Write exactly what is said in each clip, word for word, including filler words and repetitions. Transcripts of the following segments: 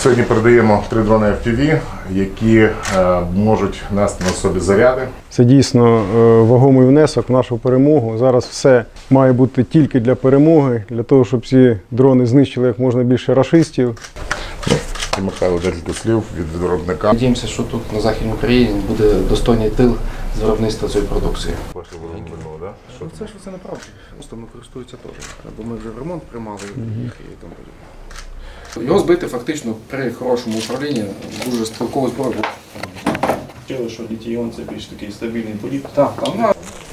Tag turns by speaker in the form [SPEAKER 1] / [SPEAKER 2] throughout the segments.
[SPEAKER 1] Сьогодні передаємо три дрони еф пі ві, які е, можуть нести на собі заряди.
[SPEAKER 2] Це дійсно е, вагомий внесок в нашу перемогу. Зараз все має бути тільки для перемоги, для того, щоб ці дрони знищили як можна більше рашистів.
[SPEAKER 1] І Михайло, декілька слів від виробника.
[SPEAKER 3] Надіємося, що тут на Західній Україні буде достойний тил з виробництва цієї продукції.
[SPEAKER 1] Ваше виробник, да? Що
[SPEAKER 3] Це ж це неправда. Просто ми користуються теж. Бо ми вже в ремонт приймали їх і там. Його збити фактично при хорошому управлінні дуже стрілковий зброю.
[SPEAKER 4] Вчили, що літій-іон – це більш такий стабільний політ.
[SPEAKER 3] Так, там на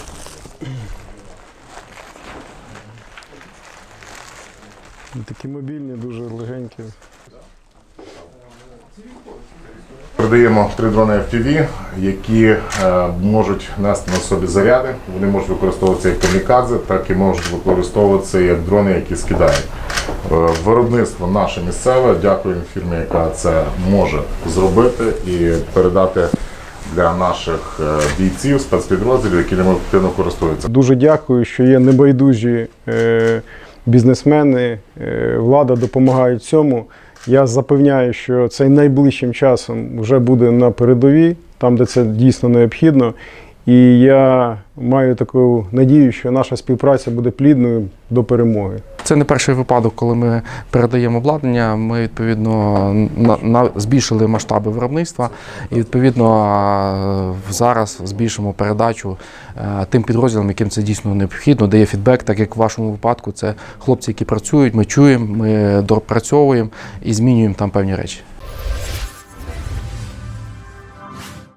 [SPEAKER 2] Такі мобільні, дуже легенькі.
[SPEAKER 1] Передаємо три дрони еф пі ві, які е, можуть нести на собі заряди. Вони можуть використовуватися як камікадзе, так і можуть використовуватися як дрони, які скидають. Е, виробництво наше місцеве. Дякуємо фірмі, яка це може зробити і передати для наших бійців, спецпідрозділів, які ними активно користуються.
[SPEAKER 2] Дуже дякую, що є небайдужі е, бізнесмени, е, влада допомагають цьому. Я запевняю, що це найближчим часом вже буде на передовій, там, де це дійсно необхідно. І я маю таку надію, що наша співпраця буде плідною до перемоги.
[SPEAKER 3] Це не перший випадок, коли ми передаємо обладнання. Ми відповідно на, на, збільшили масштаби виробництва і відповідно зараз збільшимо передачу е, тим підрозділам, яким це дійсно необхідно, дає фідбек, так як в вашому випадку це хлопці, які працюють, ми чуємо, ми допрацьовуємо і змінюємо там певні речі.